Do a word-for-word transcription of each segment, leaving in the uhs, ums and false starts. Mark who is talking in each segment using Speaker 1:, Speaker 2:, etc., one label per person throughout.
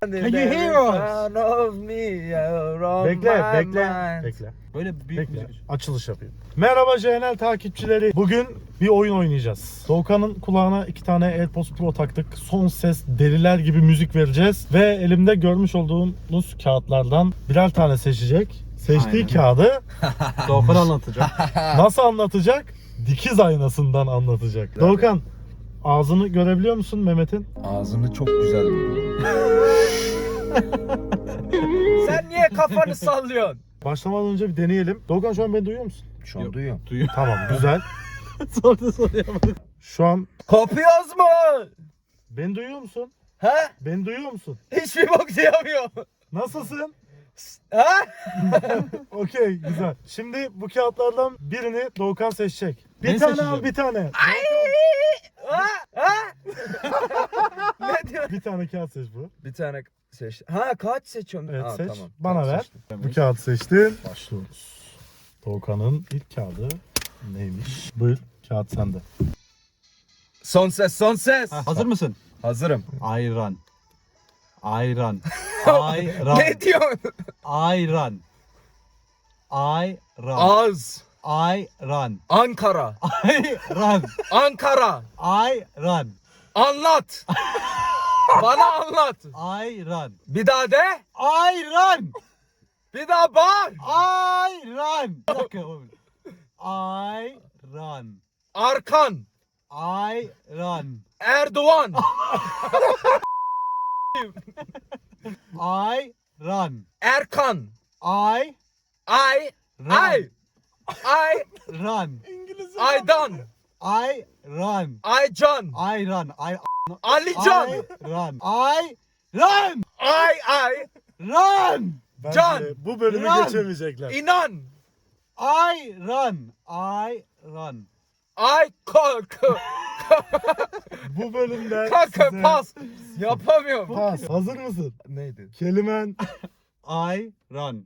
Speaker 1: Can you hear us?
Speaker 2: Bekle, bekle, bekle.
Speaker 1: Böyle büyük
Speaker 2: Bekle.
Speaker 1: müzik.
Speaker 2: Açılış yapayım. Merhaba J N L takipçileri. Bugün bir oyun oynayacağız. Doğukan'ın kulağına iki tane AirPods Pro taktık. Son ses deliler gibi müzik vereceğiz. Ve elimde görmüş olduğunuz kağıtlardan birer tane seçecek. Seçtiği
Speaker 1: Aynen.
Speaker 2: kağıdı
Speaker 1: Doğukan anlatacak.
Speaker 2: nasıl anlatacak? Dikiz aynasından anlatacak. Doğukan, ağzını görebiliyor musun Mehmet'in?
Speaker 3: Ağzını çok güzel görüyorum.
Speaker 1: Sen niye kafanı sallıyorsun?
Speaker 2: Başlamadan önce bir deneyelim. Doğukan, şu an beni duyuyor musun?
Speaker 3: Şu an duyuyorum.
Speaker 1: Duyuyor.
Speaker 2: Tamam, güzel.
Speaker 1: Sordu soruya bak.
Speaker 2: Şu an
Speaker 1: Kopuyoruz mu?
Speaker 2: beni duyuyor musun?
Speaker 1: Ha?
Speaker 2: Beni duyuyor musun?
Speaker 1: Hiçbir bok diyemiyor.
Speaker 2: Nasılsın?
Speaker 1: Ha?
Speaker 2: Okey, güzel. Şimdi bu kağıtlardan birini Doğukan seçecek. Bir
Speaker 1: Ben
Speaker 2: tane
Speaker 1: seçeceğim.
Speaker 2: al, bir tane.
Speaker 1: Ha? Ha? Ne diyor?
Speaker 2: Bir tane kağıt seç bu.
Speaker 1: Bir tane seç. Ha kaç seçiyorsun?
Speaker 2: Evet,
Speaker 1: Ha,
Speaker 2: seç.
Speaker 1: Tamam.
Speaker 2: Bana
Speaker 1: Tamam,
Speaker 2: ver.
Speaker 1: seçtim.
Speaker 2: Bu kağıdı seçtin. Başlıyoruz. Doğukan'ın ilk kağıdı neymiş? Buyur, kağıt sende.
Speaker 1: Son ses, son ses.
Speaker 4: Hazır mısın?
Speaker 1: Hazırım.
Speaker 4: Ayran. Ayran. Ayran.
Speaker 1: Ne diyorsun?
Speaker 4: Ayran. Ayran.
Speaker 1: Az.
Speaker 4: Ayran.
Speaker 1: Ankara.
Speaker 4: Ayran.
Speaker 1: Ankara.
Speaker 4: Ayran.
Speaker 1: Anlat. Bana anlat.
Speaker 4: Ayran.
Speaker 1: Bir daha de.
Speaker 4: Ayran.
Speaker 1: Bir daha bağır.
Speaker 4: Ayran. Bir dakika. Ayran.
Speaker 1: Arkan.
Speaker 4: Ayran.
Speaker 1: Erdoğan.
Speaker 4: Ayran.
Speaker 1: Erkan.
Speaker 4: Ay.
Speaker 1: Ay. Ay. Ay.
Speaker 4: Ran.
Speaker 1: Aydan.
Speaker 4: Ayran.
Speaker 1: Aycan.
Speaker 4: Ayran. Ay.
Speaker 1: Alican.
Speaker 4: Ayran. Ayran.
Speaker 1: Ay ay.
Speaker 4: Ran.
Speaker 2: Bence
Speaker 1: Can!
Speaker 2: bu bölümü
Speaker 4: Lan!
Speaker 2: geçemeyecekler.
Speaker 1: İnan.
Speaker 4: Ayran. Ayran.
Speaker 1: Ay kalk.
Speaker 2: Bu bölümde
Speaker 1: Kanka
Speaker 2: size...
Speaker 1: pas. Yapamıyorum.
Speaker 2: Pas. Hazır mısın?
Speaker 1: Neydi?
Speaker 2: Kelimen
Speaker 4: Ayran.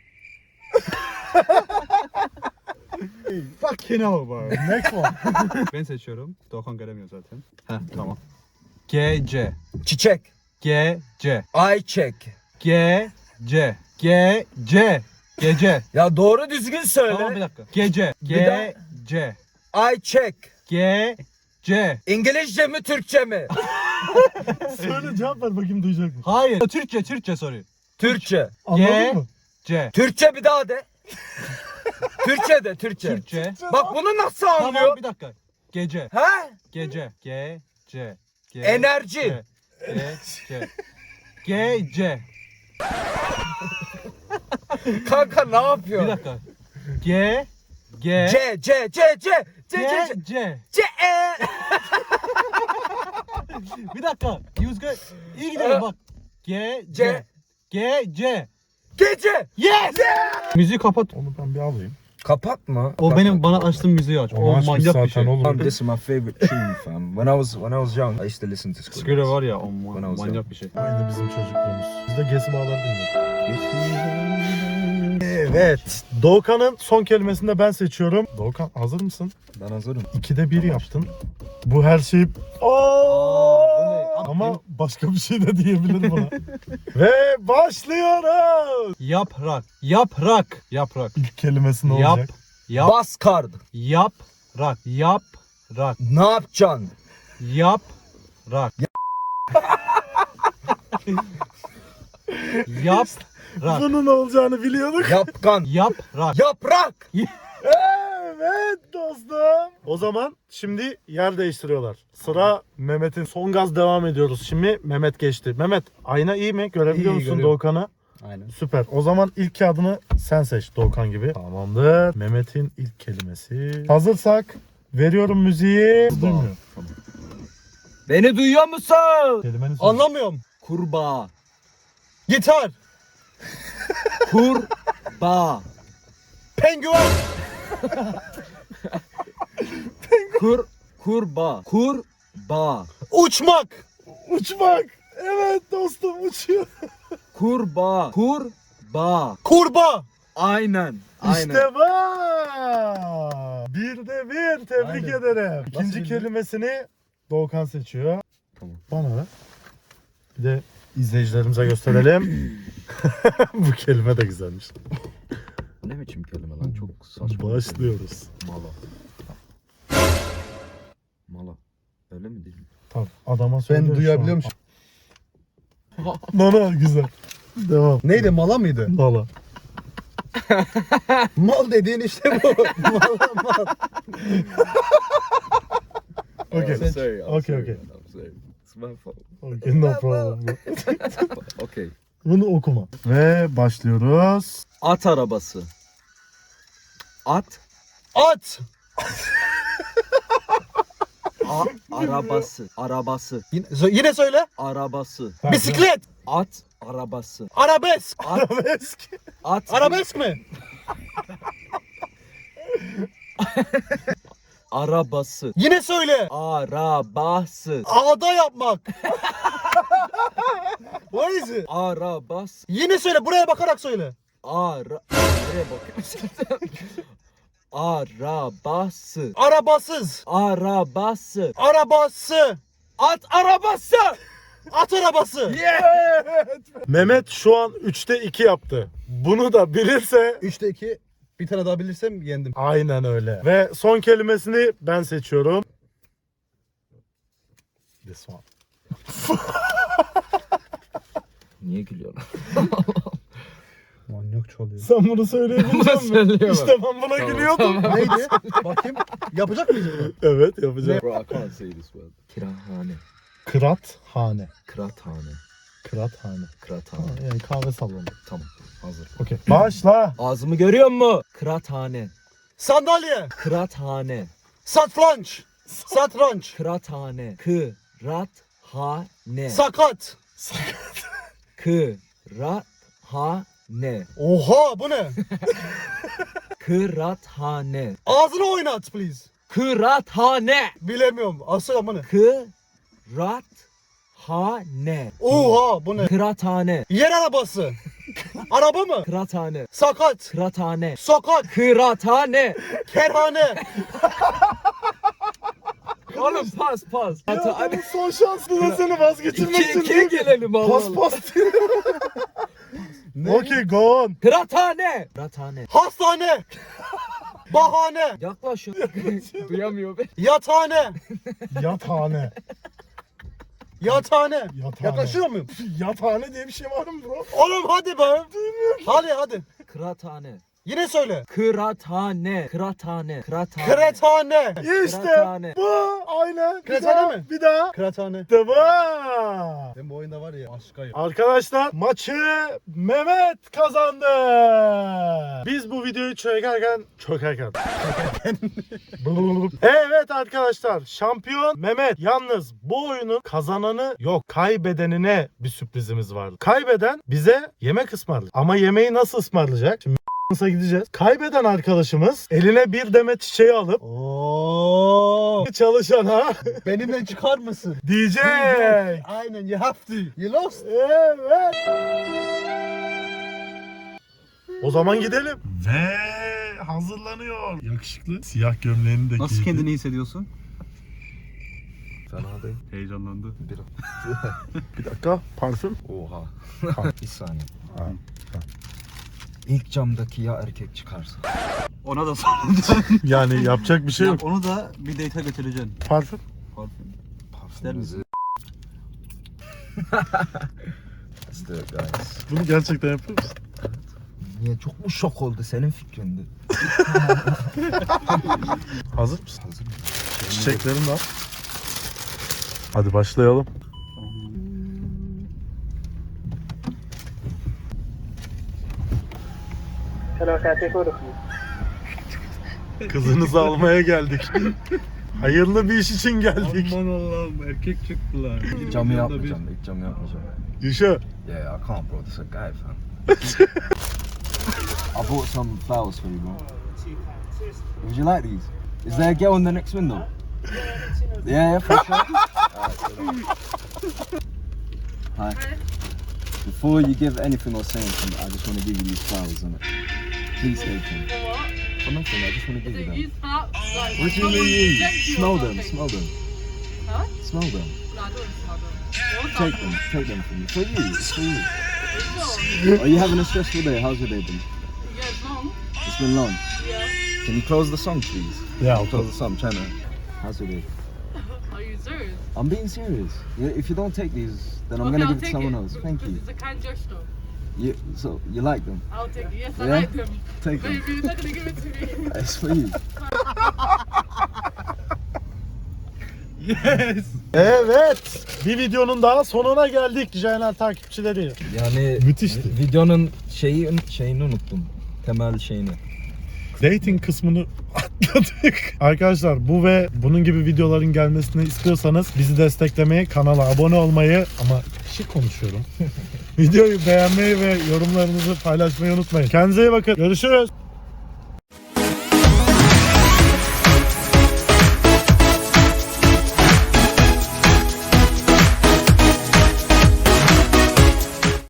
Speaker 4: Fucking hell bro.
Speaker 2: next one.
Speaker 4: Ben seçiyorum. Doğukan göremiyor zaten. Heh tamam. Gece.
Speaker 1: Çiçek.
Speaker 4: Gece.
Speaker 1: Ayçek.
Speaker 4: Gece. Gece. Gece.
Speaker 1: Ya doğru düzgün söyle.
Speaker 4: Tamam bir dakika. Gece.
Speaker 1: Bir daha.
Speaker 4: Gece.
Speaker 1: Ayçek.
Speaker 4: Gece.
Speaker 1: İngilizce mi Türkçe mi?
Speaker 2: Söyle, cevap ver bakayım, duyacak mı?
Speaker 4: Hayır. Türkçe, Türkçe soruyor.
Speaker 1: Türkçe.
Speaker 2: Anladın mı?
Speaker 4: Gece.
Speaker 1: Türkçe bir daha de. Türkçe de Türkçe.
Speaker 4: Türkçe.
Speaker 1: Bak bunu nasıl
Speaker 4: Tamam
Speaker 1: anlıyor?
Speaker 4: bir dakika. Gece.
Speaker 1: Ha?
Speaker 4: Gece. Gece. Ge-
Speaker 1: Enerji.
Speaker 4: Gece. Gece.
Speaker 1: Kanka ne yapıyor?
Speaker 4: Bir dakika. Ge. Ge.
Speaker 1: C C C C C C C
Speaker 4: Gece.
Speaker 1: C E.
Speaker 4: Bir dakika. He was good. İyi gidelim bak. Gece.
Speaker 1: Ce.
Speaker 4: Gece.
Speaker 1: Gece.
Speaker 4: Yes. Müziği kapat.
Speaker 2: Onu ben bir alayım.
Speaker 1: Kapatma.
Speaker 4: O benim bana açtığım müziği aç.
Speaker 2: Onu
Speaker 4: O
Speaker 2: açmış
Speaker 4: manyak bir
Speaker 2: zaten
Speaker 4: şey.
Speaker 2: oğlum.
Speaker 3: This is my favorite tune, fam. When I was when I was young, I used to listen to Skrillex.
Speaker 4: Sküre var ya o
Speaker 3: Bana
Speaker 4: ma-
Speaker 3: olsun.
Speaker 4: manyak bir şey.
Speaker 2: Aynı bizim çocukluğumuz. Biz de Gesi Bağları dinliyoruz. Evet. Doğukan'ın son kelimesini de ben seçiyorum. Doğukan, hazır mısın?
Speaker 3: Ben hazırım.
Speaker 2: İkide bir yaptın. Bu her şey...
Speaker 4: Aa, bu ne? Abi,
Speaker 2: Ama
Speaker 4: benim-
Speaker 2: başka bir şey de diyebilirim buna. Ve başlıyoruz.
Speaker 4: Yaprak. Yaprak. Yaprak.
Speaker 2: İlk kelimesi ne
Speaker 4: Yap.
Speaker 2: olacak?
Speaker 4: Yap.
Speaker 1: Bas kard.
Speaker 4: Yaprak. Yaprak.
Speaker 1: Ne yapacaksın?
Speaker 4: Yaprak. Yaprak.
Speaker 2: Bunun olacağını biliyorduk.
Speaker 1: Yapkan.
Speaker 4: Yaprak.
Speaker 1: Yaprak.
Speaker 2: Evet dostum. O zaman şimdi yer değiştiriyorlar. Sıra Mehmet'in. Son gaz devam ediyoruz. Şimdi Mehmet geçti. Mehmet, ayna iyi mi? Görebiliyor
Speaker 3: İyi,
Speaker 2: musun
Speaker 3: görüyorum.
Speaker 2: Doğukan'ı?
Speaker 3: Aynen.
Speaker 2: Süper. O zaman ilk kağıdını sen seç Doğukan gibi. Tamamdır. Mehmet'in ilk kelimesi. Hazırsak veriyorum müziği. Duymuyor.
Speaker 1: Beni duyuyor musun?
Speaker 2: Kelimeni söyle.
Speaker 1: Anlamıyorum.
Speaker 4: Kurbağa.
Speaker 1: Gitar.
Speaker 4: Kurbağa.
Speaker 1: Penguen.
Speaker 4: Kur. Kurbağa. Kurbağa.
Speaker 1: Uçmak.
Speaker 2: Uçmak. Evet dostum, uçuyor.
Speaker 4: Kurbağa. Kurbağa.
Speaker 1: Kurbağa.
Speaker 4: Aynen. Aynen.
Speaker 2: İşte bu. Bir de bir. Tebrik
Speaker 3: Aynen.
Speaker 2: ederim. İkinci
Speaker 3: bildin?
Speaker 2: kelimesini Doğukan seçiyor.
Speaker 3: Tamam.
Speaker 2: Bana ver. Bir de izleyicilerimize gösterelim. Bu kelime de güzelmiş.
Speaker 3: Ne biçim kelime lan? Çok saçma.
Speaker 2: Başlıyoruz.
Speaker 3: Mala. Mala. Öyle mi değil mi?
Speaker 2: Tamam adama söylüyorum.
Speaker 4: Ben duyabiliyor musun?
Speaker 2: Nana güzel. Devam.
Speaker 4: Neydi, mala mıydı?
Speaker 2: Valla.
Speaker 4: Mal dediğin işte bu. Mal mal.
Speaker 2: Okay.
Speaker 3: I'm sorry. I'm
Speaker 2: Okay,
Speaker 3: sorry,
Speaker 2: okay.
Speaker 3: man, I'm sorry. It's my fault.
Speaker 2: Okay, no problem.
Speaker 3: Okay.
Speaker 2: Bunu okuma. Ve başlıyoruz.
Speaker 1: At arabası. At.
Speaker 2: At.
Speaker 1: A arabası. Arabası.
Speaker 2: Yine, yine söyle.
Speaker 1: Arabası.
Speaker 2: Bisiklet.
Speaker 1: At arabası.
Speaker 2: Arabesk.
Speaker 1: At.
Speaker 2: Arabesk.
Speaker 1: At.
Speaker 2: Arabesk mi?
Speaker 1: Arabası.
Speaker 2: Yine söyle.
Speaker 1: Arabası.
Speaker 2: Ağda yapmak. What is it?
Speaker 1: Arabası.
Speaker 2: Yine söyle. Buraya bakarak söyle.
Speaker 1: Ara... Nereye bakıyorsun? Arabası.
Speaker 2: Arabasız.
Speaker 1: Arabası.
Speaker 2: Arabası.
Speaker 1: At arabası.
Speaker 2: At arabası. Mehmet şu an üçte iki yaptı. Bunu da bilirse
Speaker 4: üçte iki. Bir tane daha bilirsem yendim.
Speaker 2: aynen öyle. Ve son kelimesini ben seçiyorum. This one.
Speaker 3: Niye gülüyorsun?
Speaker 4: Manyak çalıyor.
Speaker 2: Sen bunu söyleyebilecek misin?
Speaker 1: söyleyemem.
Speaker 2: İşte ben buna gülüyordum.
Speaker 4: Neydi? Bakayım. Yapacak mıyız bunu?
Speaker 2: Evet yapacağım.
Speaker 3: Bro, I can't say this word. Kirahane.
Speaker 2: Kıraathane.
Speaker 3: Kıraathane.
Speaker 2: Kıraathane.
Speaker 3: Kıraathane.
Speaker 2: Yani kahve salonu.
Speaker 3: Tamam. Hazır.
Speaker 2: Okey. Başla.
Speaker 1: Ağzımı görüyor musun? Kıraathane.
Speaker 2: Sandalye.
Speaker 1: Kıraathane.
Speaker 2: Satranç. Satranç.
Speaker 1: Kıraathane. Kıraathane.
Speaker 2: Sakat.
Speaker 1: Kıraathane.
Speaker 2: Oha bu ne?
Speaker 1: Kıraathane.
Speaker 2: Ağzını oynat please.
Speaker 1: Kıraathane.
Speaker 2: Bilemiyorum. Asıl ama ne?
Speaker 1: Kıraathane.
Speaker 2: Oha bu ne?
Speaker 1: Kıraathane.
Speaker 2: Yer arabası. Araba mı?
Speaker 1: Kıraathane.
Speaker 2: Sakat.
Speaker 1: Kıraathane.
Speaker 2: Sokak.
Speaker 1: Kıraathane.
Speaker 2: Kerhane.
Speaker 1: Oğlum pas pas.
Speaker 2: Ya bu son şanslı da seni vazgeçirmek
Speaker 1: İki
Speaker 2: için
Speaker 1: ikiye
Speaker 2: değil.
Speaker 1: gelelim Allah
Speaker 2: Pas
Speaker 1: Allah.
Speaker 2: pas diyor. Okey go on.
Speaker 1: Kıraathane. Kıraathane.
Speaker 2: Hastane. Bahane.
Speaker 1: Yaklaş. Duyamıyor beni.
Speaker 2: Yathane. Yathane. Yathane.
Speaker 4: Yathane.
Speaker 2: Yaklaşıyor muyum?
Speaker 4: Yathane diye bir şey var mı bro?
Speaker 2: Oğlum hadi be. Hadi hadi.
Speaker 1: Kıraathane.
Speaker 2: Yine söyle.
Speaker 1: Kıraathane. Kıraathane. Kıraathane.
Speaker 2: Kıraathane.
Speaker 4: İşte
Speaker 1: Kıraathane.
Speaker 4: bu. Aynen. Bir
Speaker 2: Kıraathane
Speaker 4: daha,
Speaker 2: mi?
Speaker 4: Bir daha.
Speaker 2: Kıraathane.
Speaker 4: Tamam. Ben bu oyunda var ya aşkayım.
Speaker 2: Arkadaşlar maçı Mehmet kazandı. Biz bu videoyu çekerken çökerken. Evet arkadaşlar şampiyon Mehmet. Yalnız bu oyunun kazananı yok. Kaybedenine bir sürprizimiz vardı. Kaybeden bize yemek ısmarlayacak. Ama yemeği nasıl ısmarlayacak? Şimdi Mısır'a gideceğiz. Kaybeden arkadaşımız eline bir demet çiçeği alıp
Speaker 4: Oo.
Speaker 2: çalışana
Speaker 4: Benimle çıkar mısın?
Speaker 2: diyecek.
Speaker 4: Aynen, you have to. You lost.
Speaker 2: Evet. O zaman gidelim. Ve hazırlanıyor. Yakışıklı. Siyah gömleğini de
Speaker 4: Nasıl
Speaker 2: giydi.
Speaker 4: kendini hissediyorsun?
Speaker 3: Fena değil.
Speaker 4: Heyecanlandı.
Speaker 3: Bir,
Speaker 2: Bir dakika. Parfüm.
Speaker 3: Oha. Bir saniye.
Speaker 2: Ha.
Speaker 3: İlk camdaki ya erkek çıkarsa.
Speaker 4: Ona da soracağım.
Speaker 2: Yani yapacak bir şey yok.
Speaker 4: Onu da bir date'e götüreceksin.
Speaker 2: Parfüm.
Speaker 4: Parfüm.
Speaker 3: Parfümümüzü. Let's do it guys.
Speaker 2: Bunu gerçekten yapıyor musun?
Speaker 3: Niye çok mu şok oldu senin fikrindi?
Speaker 2: Hazır mısın?
Speaker 3: Hazır mı?
Speaker 2: Çiçeklerim var. Hadi başlayalım. Kızınızı almaya geldik. Hayırlı bir iş için geldik.
Speaker 4: Aman Allah'ım, erkek çıktılar.
Speaker 3: İlk camı yapmayacağım. İlk camı yapmayacağım.
Speaker 2: Yuşa.
Speaker 3: Yeah, I can't bro. This is a guy fam. I bought some flowers for you bro. Would you like these? Is there a girl in the next window? Yeah, yeah, for sure. Alright, so Hi. Before you give anything or say anything, I just want to give you these flowers, innit? Please take them.
Speaker 5: For what?
Speaker 3: For nothing, I just want to give you
Speaker 5: So
Speaker 3: them.
Speaker 5: you start like
Speaker 3: What do you
Speaker 5: someone
Speaker 3: mean?
Speaker 5: rejects you or
Speaker 3: Smell them,
Speaker 5: something.
Speaker 3: smell them.
Speaker 5: Huh?
Speaker 3: Smell them.
Speaker 5: I don't smell them.
Speaker 3: Take them, take them from me. For you, it's for you. Are you having a stressful day? How's your day been?
Speaker 5: Yeah, it's long.
Speaker 3: It's been long.
Speaker 5: Yeah.
Speaker 3: Can you close the song, please?
Speaker 2: Yeah, of
Speaker 3: Close
Speaker 2: course.
Speaker 3: the song, China. How's your day?
Speaker 5: Are you serious?
Speaker 3: I'm being serious. Yeah, if you don't take these, then I'm
Speaker 5: Okay,
Speaker 3: gonna
Speaker 5: I'll
Speaker 3: give it to
Speaker 5: take
Speaker 3: someone
Speaker 5: it,
Speaker 3: else.
Speaker 5: because
Speaker 3: Thank you.
Speaker 5: It's a kind gesture.
Speaker 3: You. So you like them?
Speaker 5: I'll take it. Yes, I
Speaker 3: Yeah?
Speaker 5: like them.
Speaker 3: Take them.
Speaker 5: Baby, you're not gonna give it to me.
Speaker 3: It's for you.
Speaker 2: Yes. Evet. Bir videonun daha sonuna geldik J N L takipçileri.
Speaker 1: Yani
Speaker 2: Müthişti.
Speaker 1: videonun şeyi şeyini unuttum. Temel şeyini.
Speaker 2: Dating kısmını atladık. Arkadaşlar bu ve bunun gibi videoların gelmesini istiyorsanız bizi desteklemeyi, kanala abone olmayı ama şık konuşuyorum. Videoyu beğenmeyi ve yorumlarınızı paylaşmayı unutmayın. Kendinize iyi bakın. Görüşürüz.